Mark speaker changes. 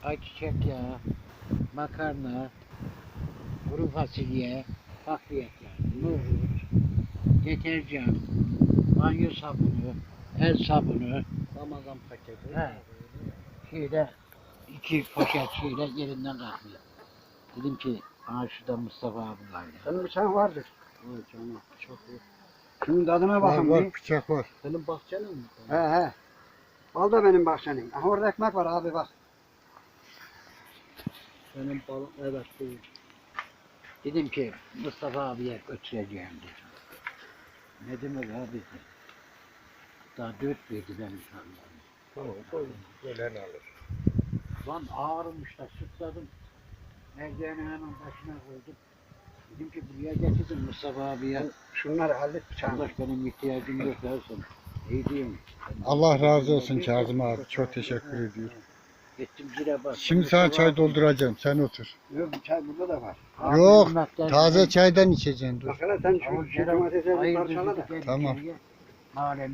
Speaker 1: ayçiçek yağı, makarna, kuru fasulye, bakliyat yağı, nohut, deterjan, banyo sabunu, el sabunu,
Speaker 2: Ramazan paketi.
Speaker 1: he, şeyle 2 poşet şeyle yerinden kalkmıyor. Dedim ki, aa şurada Mustafa abi var ya.
Speaker 2: Senin bıçağın vardır.
Speaker 3: Vay canım bıçak var.
Speaker 2: Şunun tadına
Speaker 3: Var
Speaker 2: bakın
Speaker 3: var
Speaker 2: bir.
Speaker 3: bıçak var.
Speaker 2: Senin bahçenin mi?
Speaker 3: He.
Speaker 2: He. Al da benim bahçenin. Aha orada ekmek var abi bak.
Speaker 3: Senin balon evet bu.
Speaker 1: Dedim ki Mustafa abiye götüreceğim dedim. Ne demek abi? Daha 4 verdi benim sanırım.
Speaker 3: Tamam koy. Ölen alır.
Speaker 1: Lan ağrımış da sıkladım. Merdivenin hemen başına koydum. Dedim ki buraya getirdim Mustafa abiye.
Speaker 2: Şunları hallet bıçağını.
Speaker 1: Kardeş benim ihtiyacım yok dersin. İyi diyeyim.
Speaker 3: Allah razı olsun Kazım abi. Çok teşekkür ediyorum.
Speaker 1: Gittim zile bastım.
Speaker 3: Şimdi sana çay dolduracağım. Sen otur.
Speaker 2: Yok bir çay burada da var.
Speaker 3: Yok, taze çaydan içeceksin dur.
Speaker 2: Bak hele sen şu domatesleri parçala da.
Speaker 3: Tamam.
Speaker 1: Mahallenin